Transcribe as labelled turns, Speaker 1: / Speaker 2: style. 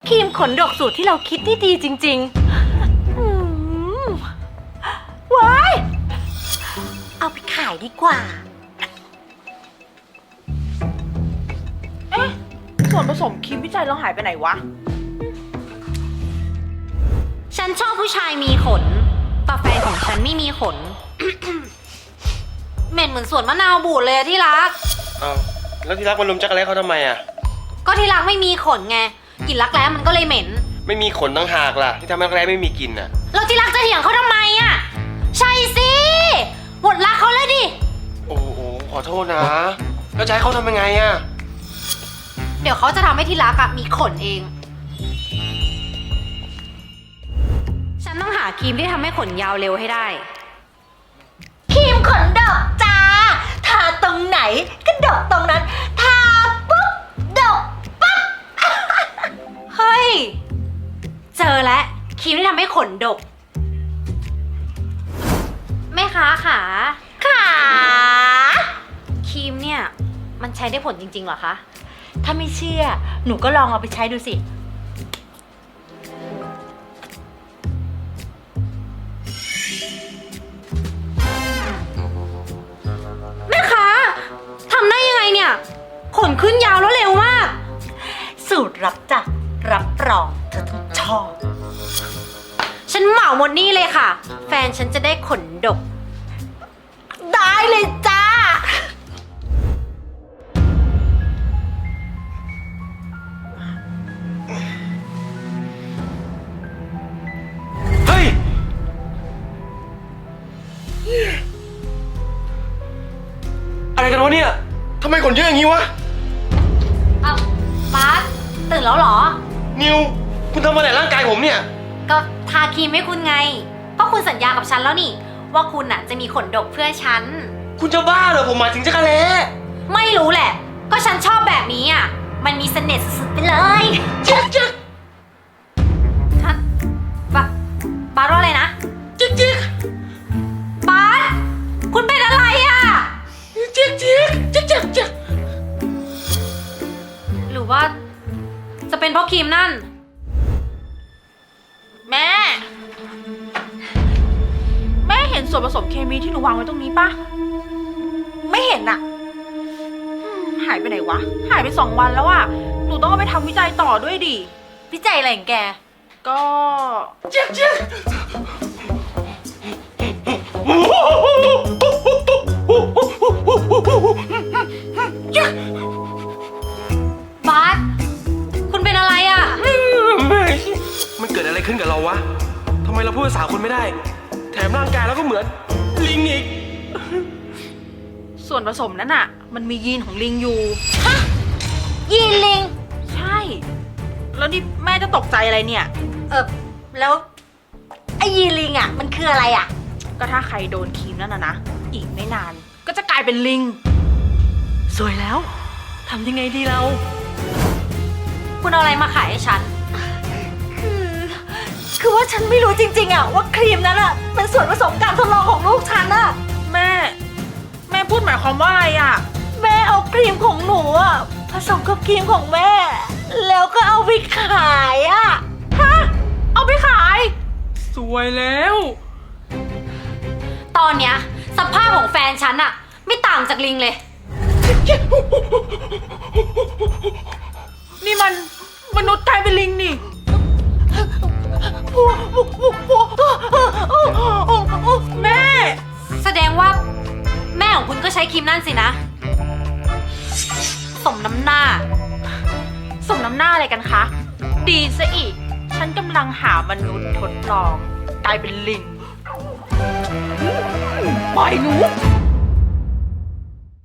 Speaker 1: ครีมขนดกสูตรที่เราคิดที่ดีจริงๆว้ายเอาไปขายดีกว่า
Speaker 2: ส่วนผสมครีมวิจัยเราหายไปไหนวะ
Speaker 1: ฉันชอบผู้ชายมีขนแต่แฟนของฉันไม่มีขน เหม็นเหมือนสวนมะนาวบูดเลยที่รัก
Speaker 3: อ้าวแล้วที่รักมันลุมจักรแล้เขาทำไมอ่ะ
Speaker 1: ก็ที่รักไม่มีขนไงกลิ่นรักแร้มันก็เลยเหม็น
Speaker 3: ไม่มีขนตั้งหากล่ะที่ทำให้รักแร้ไม่มีกลิ่นอ่ะ
Speaker 1: แล้วที่รักจะเถียงเขาทำไมอ่ะใช่สิหมดรักเขาแล้วดิ
Speaker 3: โอ้โหขอโทษนะแล้วจะให้เขาทำยังไงอ่ะ
Speaker 1: เดี๋ยวเขาจะทำให้ที่รักอะมีขนเอง ฉันต้องหาครีมที่ทำให้ขนยาวเร็วให้ได้ครีมขนดกจ้าทาตรงไหนก็ดกตรงนั้นทาปุ๊บดกปั๊บ เฮ้ยเจอแล้วครีมที่ทำให้ขนดกแม่ค้าขาครีมเนี่ยมันใช้ได้ผลจริงๆเหรอคะถ้าไม่เชื่อหนูก็ลองเอาไปใช้ดูสิแม่ค้าทำได้ยังไงเนี่ยขนขึ้นยาวแล้วเร็วมากสูตรลับจ้ะรับรองเธอต้องชอบฉันเหมาหมดนี่เลยค่ะแฟนฉันจะได้ขนดกได้เลยจ้า
Speaker 3: เฮ้ยอะไรกันวะเนี่ยทำไมขนเยอะอย่างนี้วะ
Speaker 1: อ้าวบาสตื่นแล้วเหรอ
Speaker 3: นิวคุณทำอะไรร่างกายผมเนี่ย
Speaker 1: ก็ทาครีมให้คุณไงเพราะคุณสัญญากับฉันแล้วนี่ว่าคุณน่ะจะมีขนดกเพื่อฉัน
Speaker 3: คุณจะบ้าเหรอผมหมายถึงจักรแล้
Speaker 1: ไม่รู้แหละก็ฉันชอบแบบนี้อ่ะมันมีเสน่ห์สุดๆไปเลย
Speaker 3: จึ๊ก
Speaker 1: ฮะบาสว่าอะไรนะ
Speaker 3: จึ๊ก
Speaker 1: บาสคุณเป็นอะไรอ่ะ
Speaker 3: จึ๊ก
Speaker 1: หรือว่าจะเป็นเพราะครีมนั่น
Speaker 2: แม่เห็นส่วนผสมเคมีที่หนูวางไว้ตรงนี้ปะไม่เห็นอะหายไปไหนวะหายไป2 วันแล้วอะหนูต้องเอาไปทำวิจัยต่อด้วยดิ
Speaker 1: วิจัยอะไรของแก
Speaker 2: ก็
Speaker 3: จึ๊ก
Speaker 1: บาสคุณเป็นอะไรอ่ะ
Speaker 3: มันเกิดอะไรขึ้นกับเราวะทำไมเราพูดภาษาคนไม่ได้แถมร่างกายเราก็เหมือนลิงอีก
Speaker 2: ส่วนผสมนั้นอะมันมียีนของลิงอยู่
Speaker 1: ฮะยีนลิง
Speaker 2: ใช่ แล้วนี่แม่จะตกใจอะไรเนี่ย
Speaker 1: แล้วไอ้ยีนลิงอ่ะมันคืออะไรอ่ะ
Speaker 2: ก็ถ้าใครโดนครีมนั่นนะอีกไม่นานก็จะกลายเป็นลิงสวยแล้วทำยังไงดีเรา
Speaker 1: คุณเอาอะไรมาขายให้ฉันคือว่าฉันไม่รู้จริงๆอ่ะว่าครีมนั้นอ่ะเป็นส่วนผสมการทดลองของลูกฉันอ่ะ
Speaker 2: แม่พูดหมายความว่าอะไรอ่ะ
Speaker 1: แม่เอาครีมของหนูอ่ะผสมกับครีมของแม่แล้วก็เอาไปขายอ่ะ
Speaker 2: ฮะเอาไปขายสวยแล้ว
Speaker 1: ตอนเนี้ยสภาพของแฟนฉันอ่ะไม่ต่างจากลิงเลย
Speaker 2: นี่มันมนุษย์กลายเป็นลิงนี่แม่
Speaker 1: แสดงว่าแม่ของคุณก็ใช้ครีมนั่นสินะสมน้ำหน้า
Speaker 2: อะไรกันคะดีซะอีกฉันกำลังหามนุษย์ทดลองกลายเป็นลิงปล่อยหนู